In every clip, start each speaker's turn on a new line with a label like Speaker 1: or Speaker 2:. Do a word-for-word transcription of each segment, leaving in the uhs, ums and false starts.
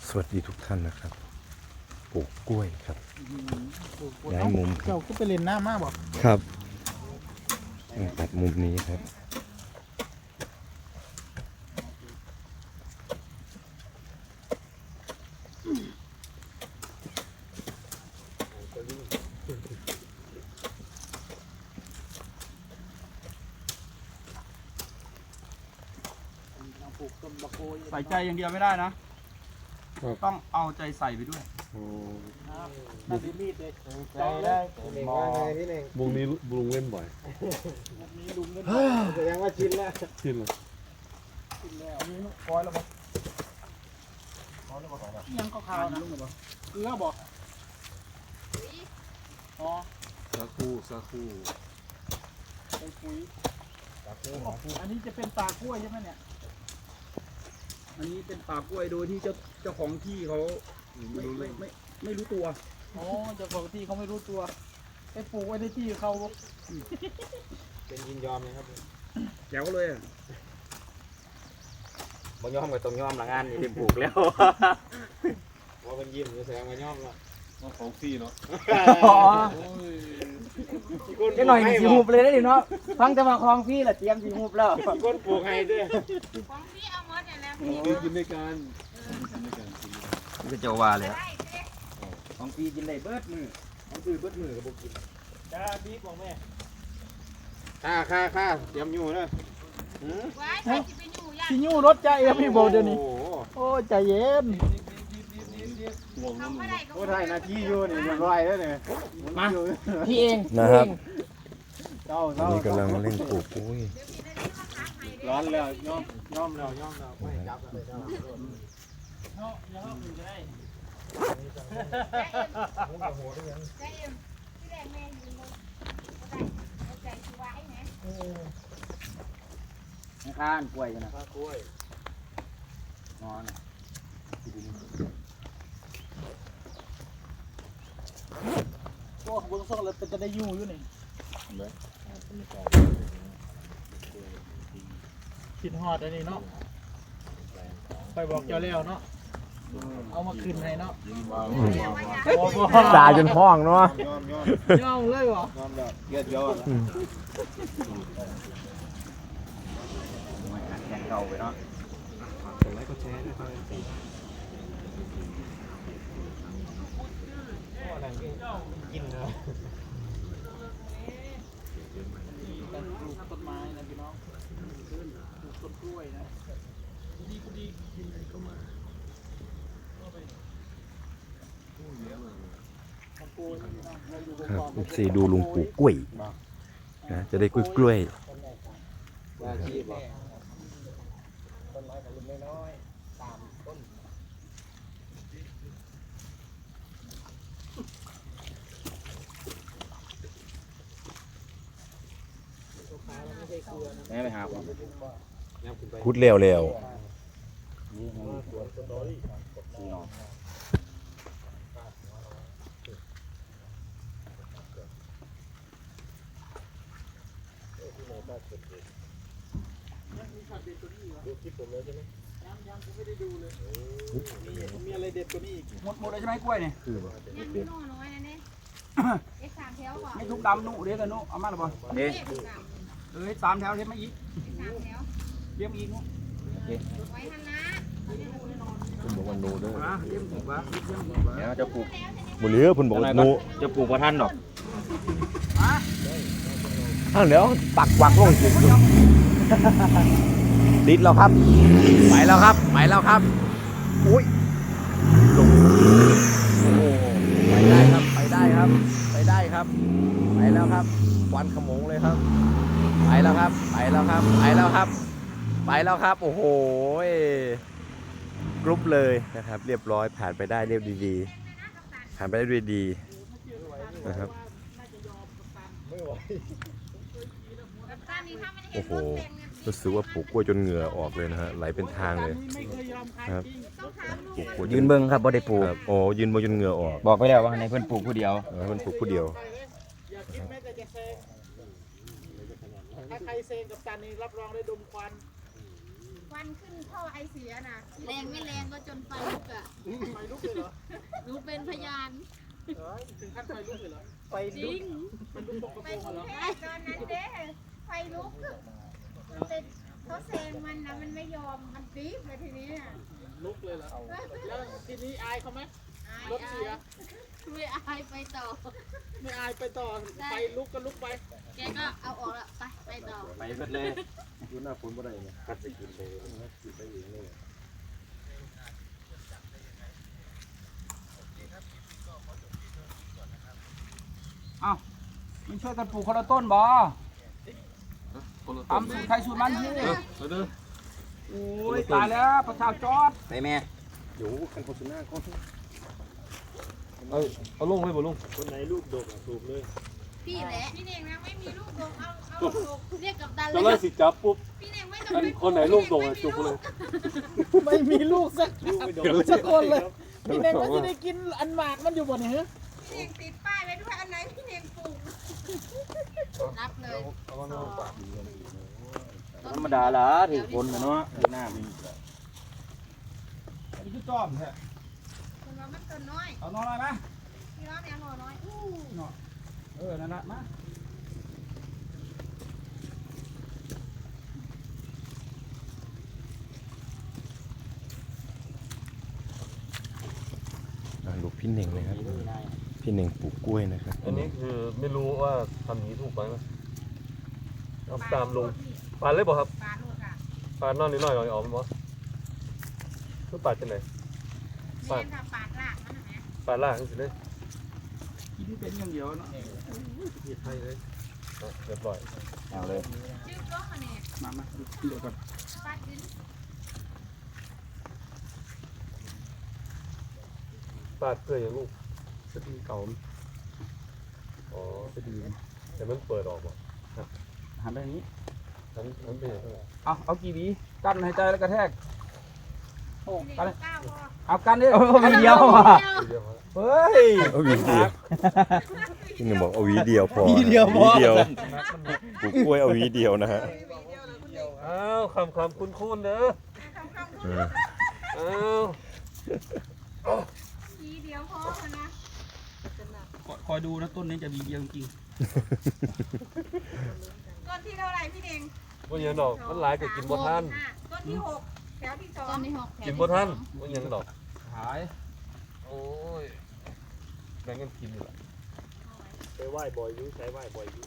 Speaker 1: สวัสดีทุกท่านนะครับปลูกกล้วยครับย้ายมุม
Speaker 2: เจ้าก็ไปเล่นหน้ามากบอก
Speaker 1: ครับตัดมุมนี้ครับ
Speaker 3: ใส่ใจอย่างเดียวไม่ได้นะ ต้องเอาใจใส่ไปด้วย
Speaker 2: น่าจะมีดเลย
Speaker 4: ใจได้มองพี่เน่ง
Speaker 5: วงนี้ลุงเล่นบ่อย
Speaker 2: มีลุงเล่น
Speaker 4: แสดงว่าชินแล้ว
Speaker 5: ชินเลย
Speaker 2: กินแล้วมีคอยแล้วบอกยังก็ขาวนะเกลือบอกอ๋อ
Speaker 5: ซาคูซาคู
Speaker 2: ไปปุ๋ยอันนี้จะเป็นตากล้วยใช่ไหมเนี่ย
Speaker 3: อันนี้เป็นป่ากล้วยโดยที่เจ้าเจ้าของที่เขาไม่ไม่ไม่ไม่รู้ตัว
Speaker 2: อ๋อเจ้าของที่เขาไม่รู้ตัวไปปลูกไว้ในที่เขา
Speaker 4: เป็นยินยอมนะครับ
Speaker 3: แจ๋วเลยอ่ะ
Speaker 4: บ่ยอมกับตรงยอมละงานนี่เป็นปลูกแล้วว่าเป็นยิ้มแสดงว่ายอมแล้ว
Speaker 5: ของฟรีเนาะ
Speaker 4: ได้หน่อยสีหุบเลย
Speaker 2: ฟังแต่มาคลองพี่แหละเตรียมสีหุบแล้ว
Speaker 4: ก้นปลูกให้ด้วย
Speaker 6: ของพี่เอาหมดเนี่ยนะ
Speaker 5: ของฟรีกินด้วยกันกินด้วยกันกินด้วยกัน
Speaker 3: นี่ก็จะว่าเลย
Speaker 6: ได้เจ๊
Speaker 3: ของปีกินได้เบิดมือของปีเบิดมือกับบุกิน
Speaker 2: จ้าพี่บอกแม่
Speaker 4: ค่าค่าค่าเตรียมอยู่นะ
Speaker 6: ไว้ใครจะไปอยู่ยาก
Speaker 2: พี่ยูรถใจเอ็มพี่บอกเดี๋ยวนี้
Speaker 4: โอ้
Speaker 2: โอ้ใจเย็น
Speaker 5: ห่วง
Speaker 6: ทำ
Speaker 5: นั่น
Speaker 6: ไม่ได้ก็
Speaker 4: โหได้นาทีอยู่นี่เรียบร้อยแล้วเนี่ย
Speaker 2: มาพี่เอง
Speaker 1: นะครับ
Speaker 4: เจ้า
Speaker 1: ตอน
Speaker 4: เจ้า
Speaker 1: นี้กำลังเล่นปลูกกล้วย
Speaker 4: ร้อนแล้วยอมยอมแล้วยอมแล้วไม่จับเลยเจ้า
Speaker 2: เนาะยังเอาอยู่ได้
Speaker 6: ใจเอ็มที่แรกแม่ยืนบนก็ได้เอาใจชีวะให้นะ
Speaker 3: ข้านกล้วยกันนะ
Speaker 4: กล้วย
Speaker 3: นอน
Speaker 2: พวกเบื้องต้นเราจะได้อยู่อยู่นี่กินฮอดอันนี้เนาะไปบอกเจ้าแล้วเนาะเอามาคืนให้เนาะ
Speaker 1: ด่าจนห้องเนาะ
Speaker 4: ยอมยอม
Speaker 2: ย่อมเลยวะ
Speaker 4: ยอมแล้วเกียดยอม
Speaker 3: แข่งเก่าไปเนาะ
Speaker 5: กดไลค์กดแชร์ด้วยครับ
Speaker 4: กินเลย
Speaker 2: การปลูกต้นไม้นะพี่น้องปลูกต้นกล้วยนะดีก็ดีกินอะไรก็มา
Speaker 1: ครับสี่ดูลุงปลูกกล้วยนะจะได้กล้วยกล้วย
Speaker 4: ว่าชีพต้นไม้ของลุงน้อยๆตามต้น
Speaker 3: แม่ไปหาผม
Speaker 1: คุดเร็วเร็ว
Speaker 3: นี่ไงสี่นอน
Speaker 2: มีอะไรเด็ดกว่านี้อีก
Speaker 3: หมดหมดเลยใช่ไหมกล้วยเนี่ย
Speaker 6: ยังมีโน่น้อยนะเนี่ยเอ็กสามแถวก่อน
Speaker 3: ไม่ทุกดำนุเรียกกันนุเอามาหรือเปล่า
Speaker 6: เด็
Speaker 3: เด็
Speaker 6: กสาม
Speaker 3: เอ้ยสามแถวเทียบมาอีก
Speaker 6: สามแถว
Speaker 3: เรียบอีกนุ
Speaker 6: ไว้ทันนะ
Speaker 1: คุณบอกว่าโนเด้อ
Speaker 3: อ่ะเรียบอีกวะเรียบอีกวะ
Speaker 4: เดี๋ยวจะปลูก
Speaker 1: บุเรือคุณบอกว่าโน
Speaker 4: จะปลูกว่าท่านหรอก
Speaker 1: อ้าวเดี๋ยวปักวักลงสิติดแล้วครับไปแล้วครับไปแล้วครับอุ้ยลงโอ้โหไปได้ครับไปได้ครับไปได้ครับไปแล้วครับควันขโมงเลยครับไปแล้วครับไปแล้วครับไปแล้วครับไปแล้วครับโอ้โหกรุ๊ปเลยนะครับเรียบร้อยผ่านไปได้เรียบดีๆผ่านไปได้ด้วยดีนะครับ โอ้โหรู้สึกว่าปลูกกล้วยจนเหงื่อออกเลยนะฮะไหลเป็นทางเลย
Speaker 2: ไม่เคยยอมขาย
Speaker 1: ครับ
Speaker 2: จริง
Speaker 1: ปลูกกล้วยจ
Speaker 3: ยืนเบิ้งครับบ่ได้ปลูก
Speaker 1: ครับโอ้ยืนบนจนเหงื่อออก
Speaker 3: บอกไปแล้วว่าในเพื่อนปลูกผู้เดียว
Speaker 1: เออมันปลูกผู้เดียว
Speaker 2: อย่าคิดแม้แต่จะเซงถ้าใครเซงกับตันนี่รับรองได้ดมควัน
Speaker 6: ควันขึ้นท่อไอเสียน่ะแรงไม่แรงก็จนไฟลุกอ่ะ
Speaker 2: ไฟลุกเลยเหรอ
Speaker 6: หนูเป็นพยาน
Speaker 2: เฮ้ยถึงขั้นไฟลุกเลยเหรอ
Speaker 4: ไป
Speaker 6: จริง
Speaker 2: มันลุกปก
Speaker 6: ไป
Speaker 2: ติ
Speaker 6: กรุ
Speaker 2: เห
Speaker 6: ง
Speaker 2: รอ
Speaker 6: เทพตอนนั้นเด้ไฟลุกแต่เขาแซงมันนะมันไม่ยอมมันปี๊บเลยทีนี้น่ะ
Speaker 2: ลุกเลยเหรอแล้วทีนี้อายเขาไหม
Speaker 6: อาย
Speaker 2: รถเสีย
Speaker 6: ไม่อายไปต่อ
Speaker 2: ไม่อายไปต่อไฟลุกก็ลุกไป
Speaker 6: แกก็เอาออกแล้วไปไปต่อ
Speaker 3: ไปเบิดเลย
Speaker 4: ดูหน้าฝนบ่ได้เนี่ยกัดไปกินเลยกินไปเองเลย
Speaker 3: เอ้ามันช่วยกันปลูกคนละต้นบ่
Speaker 5: คนละ
Speaker 3: ทำสูตรใครสูตรมันพี่
Speaker 5: เออเด้อ
Speaker 3: โอ้ยตายแล้วประชาจอด
Speaker 4: ไปแม่อยู่กันโฆษณาก่อน
Speaker 5: เอาเอาลงให้บ่ลุง
Speaker 4: คนไหนลูกดกอ่ะสูบเลย
Speaker 6: พี่แหละพี่เน่งนะไม่มีลูกดกเอาเอาลูกเรียกกับดัน
Speaker 5: จะ
Speaker 6: เล
Speaker 5: ไล่
Speaker 6: ย
Speaker 5: สิจับปุ๊บ
Speaker 6: พี่เน่งไม่
Speaker 5: อันคนไหนลูกดกอ่ะจุกเลย
Speaker 2: ไม่มีลูกสัก
Speaker 5: ลูกไม่ดก
Speaker 2: สักคนเลยพี่เน่งก็จะได้กินอันหมากมันอยู่บนนี้ฮะ
Speaker 6: พี่เน่งติดป้ายไว้ด้วยอันไหนพี่เน่งปลูกรับเลย
Speaker 3: ธรรมดาละถือคนนะเนาะหน้ามีอันนี้คือจอมแท้
Speaker 6: คนว่ามันต้นน้อย
Speaker 3: เอานอนหน่อยไหม
Speaker 6: พี่น้องเนี่ยหน่อน้อยอู้
Speaker 3: เออนั่นละมา
Speaker 7: ลูกพี่เน่งนะครับ พี่เน่งปลูกกล้วยนะครับ
Speaker 5: อันนี้คือไม่รู้ว่าทำนี้ถูกไหมนะเอาตามลงปาดเลยบ่ครับ
Speaker 6: ปลาลูกอ่ะ
Speaker 5: ปาดนอนนิดหน่อยหน่อยออกมั้ยคือปาดจังไหน
Speaker 6: แม่นค่ะปาดรากมันนะแม่
Speaker 5: ปาดล่างสิเลย
Speaker 3: กินเป็นอย่างเดียวเนาะ
Speaker 5: ผิดให้เลยอ่ะเรียบร้อย
Speaker 3: เอาเลย
Speaker 6: ชื่อก็มาเนี่ย
Speaker 3: มามาดูเดี๋ยวก่อน
Speaker 6: ปาดดิน
Speaker 5: ปาดเพื่ออย่างลูก
Speaker 3: สตีเก่า
Speaker 5: อ๋อจะดีแต่มันเปิดออกบ่
Speaker 3: หันไปอย่างนี้
Speaker 5: ทั้งทั้งเป็นอย่างไร
Speaker 3: เอาเอากี่หวีกั้นหายใจแล้วกระแทกโอ้
Speaker 6: พี่
Speaker 3: กัน
Speaker 6: เน่งก้าวพอ
Speaker 3: เอากันดิมีเดียวอ่ะ
Speaker 5: ทีเดียวพอ
Speaker 3: เฮ้ย
Speaker 7: เอาหวีเดียวพี่เน่งบอกเอาหวีเดียวพอ
Speaker 3: หวีเดียวพอ
Speaker 7: หวีเดียวปลูกกล้วยเอาหวีเดียวนะฮะ
Speaker 5: อ้าวคำคำคุ้นคุ้นๆเด้อ
Speaker 7: เออ
Speaker 5: อ้าว
Speaker 6: ทีเดียวพอนะ
Speaker 3: คอยดูนะต้นนี้จะมีเดียวจริง
Speaker 6: ต้นที่เท่าไหร่พี่เน่ง
Speaker 5: ว่าอย่างดอกมันหลายก็กินบ่ทัน
Speaker 6: ต้นที่หกแถวที่สองต้นที่หก
Speaker 5: กินบ่ทันว่าอย่างดอก
Speaker 3: หาย
Speaker 5: โอ้ยแบ่งกันกินอยู่ละ
Speaker 4: ไปไหว้บ่อยอยู่ใช้ไหว้บ่อยอยู่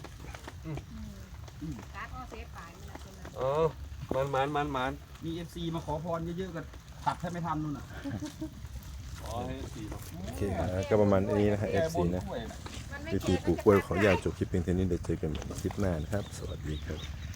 Speaker 6: การ์ดออเซฟปลายนี่แหละคนนั้น
Speaker 5: อ๋อมันมันมันมัน
Speaker 3: มีเอฟซีมาขอพรเยอะๆกันตัดให้ไม่ทันนู่นน่ะ
Speaker 5: อ๋อให้สีเนาะ
Speaker 7: โอเคนะก็ประมาณนี้นะฮะ เอฟ ซี นะ
Speaker 6: มันไม่
Speaker 7: วิธีปลูกกล้วยขออนุญาตจบคลิปเพียงเท่านี้เดี๋ยวเจอกันใหม่ในคลิปหน้านะครับ สวัสดีครับ